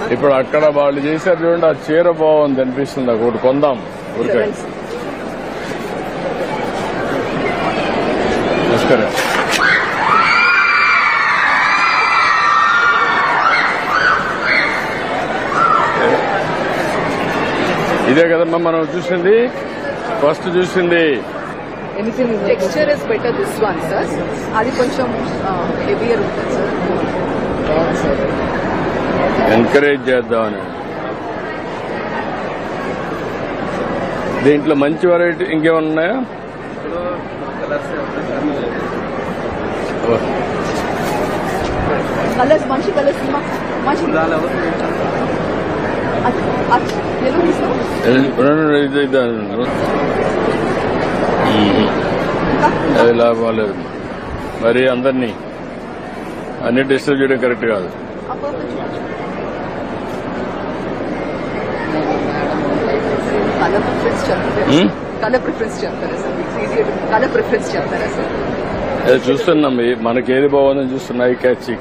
ఇప్పుడు అక్కడ వాళ్ళు చేశారు చూడండి, ఆ చీర బాగుంది అనిపిస్తుంది. ఒకటి కొందాం ఊరికే. నమస్కారం. ఇదే కదమ్మా మనం చూసింది, ఫస్ట్ చూసింది. Texture is better this one sir. అది కొంచెం హెవియర్ ఉంటుంది సార్. ఎంకరేజ్ చేద్దామని. దీంట్లో మంచి వెరైటీ ఇంకేమన్నా ఉన్నాయా? కలర్స్ మంచి కలర్స్ మంచి అది లాభం లేదు. మరి అందరినీ అన్ని డిస్టర్బ్ చేయడం కరెక్ట్ కాదు. కలర్ ప్రిఫరెన్స్ చెప్తారా సార్? అది చూస్తున్నాం, మనకి ఏది బాగుందని చూస్తున్నా. ఈ క్యాచ్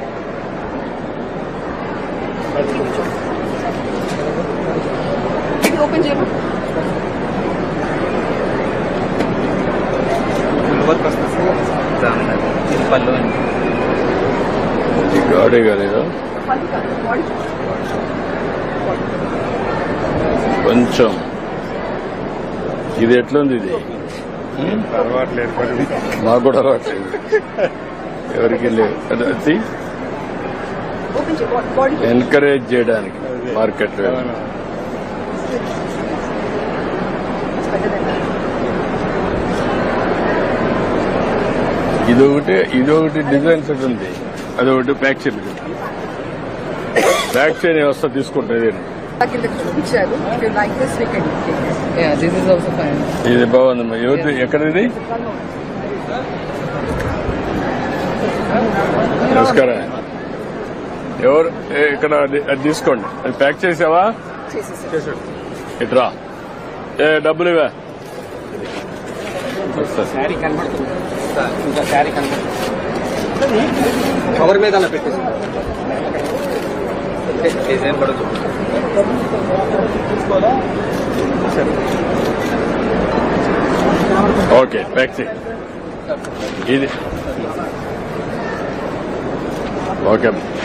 ఓపెన్ చేయమా. గాడే కాలేదా కొంచెం? ఇది ఎట్లుంది? ఇది మాకు కూడా అలవాట్లేదు, ఎవరికి లేదు. ఎంకరేజ్ చేయడానికి మార్కెట్. ఇదొకటి డిజైన్ సెట్ ఉంది, అదొకటి బ్యాక్ చైన్. బ్యాక్ చైన్ వ్యవస్థ తీసుకుంటుంది. ఇది బాగుందమ్మా. ఎక్కడ ఇది? నమస్కారం. ఎవరు ఇక్కడ? అది తీసుకోండి. అది ప్యాక్ చేసావా? ఇట్రా. డబ్బులు ఇవా? కవర్ మీద పెట్టేసి ఓకే, ప్యాక్ చేయి. ఇది ఓకే,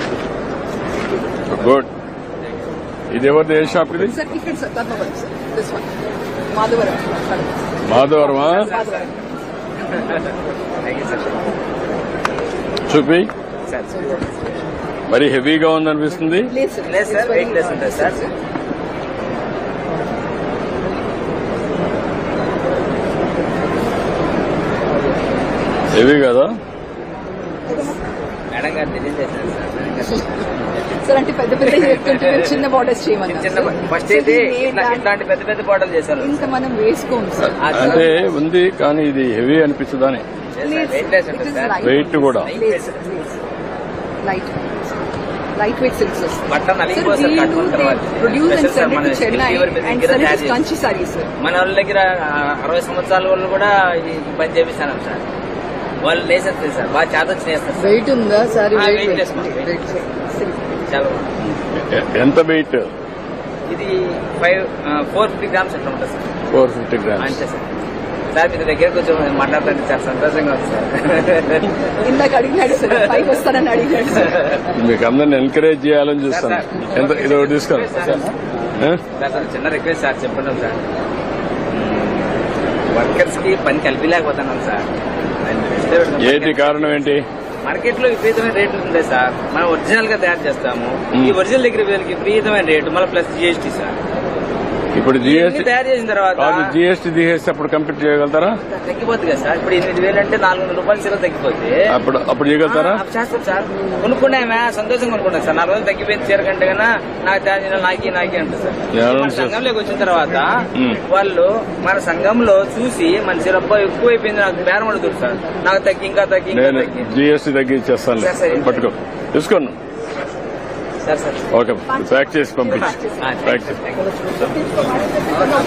గుడ్. ఇది ఎవరిది? ఏ షాప్ ఇది? మాధవరమా? చూపి. మరి హెవీగా ఉందనిపిస్తుంది. హెవీ కదా? సార్ అంటే పెద్ద పెద్ద చిన్న బార్డర్స్ చేయమన్నారు. ఫస్ట్ అయితే ఇట్లాంటి పెద్ద పెద్ద బార్డర్ చేశారు. ఇంకా మనం వేసుకోము సార్. అంటే ఉంది కానీ ఇది హెవీ అనిపించదని. వెయిట్ కూడా light weight silks Kanchi saris. మన వాళ్ళ దగ్గర 60 సంవత్సరాల వాళ్ళు కూడా ఈ పని చేపిస్తాను సార్. వాళ్ళు లేసేస్తారు సార్, బాగా చేతొచ్చి చేస్తారు. వెయిట్ ఉందా సారీ? చాలా ఎంత వెయిట్? ఇది 450 గ్రామ్స్ అట్లా ఉంటుంది సార్. 450 గ్రామ్స్ అంతే సార్. సార్ మీ దగ్గర కొంచెం మాట్లాడుతుంటే చాలా సంతోషంగా ఉంది సార్. ఇందాక అడిగినాడు సార్, పైకి వస్తానని అడిగాడు సార్. మీకు అందరిని ఎంకరేజ్ చేయాలని చూస్తాను. ఎంత ఇది ఒకటి తీసుకోండి సార్. చిన్న రిక్వెస్ట్ సార్, చెప్పండి సార్. వర్కర్స్ కి పని కలిపిలేకపోతున్నాం సార్. ఏంటి కారణం? ఏంటి? మార్కెట్ లో విపరీతమైన రేట్లు ఉంది సార్. మనం ఒరిజినల్ గా తయారు చేస్తాము. ఈ ఒరిజినల్ దగ్గర విపరీతమైన రేటు, మళ్ళీ ప్లస్ జిఎస్టీ సార్. ఇప్పుడు జిఎస్టీ తయారు చేసిన తర్వాత జిఎస్టీ తీసేసి అప్పుడు కంప్లీట్ చేయగలుగుతారా? తగ్గిపోతుంది కదా సార్. ఇప్పుడు 8,000 అంటే 400 రూపాయలు సీర తగ్గిపోతే అప్పుడు చేయగలుగుతారా? చేస్తాం సార్. కొనుక్కున్నామే సంతోషంగా కొనుక్కున్నాం సార్. 4 రోజులు తగ్గిపోయింది చీర కంటే కన్నా నాకు తయారు చేయాలి, నాకే అంటారు సార్. మన సంఘంలోకి వచ్చిన తర్వాత వాళ్ళు మన సంఘంలో చూసి మన చీర ఎక్కువ అయిపోయింది, నాకు బేరం అడుగుతారు సార్. నాకు తగ్గి ఇంకా తగ్గి జిఎస్టీ తగ్గించేస్తాను. పట్టుకో, తీసుకోండి. సార్ సార్ ఓకే, ప్యాక్ చేసి పంపించి.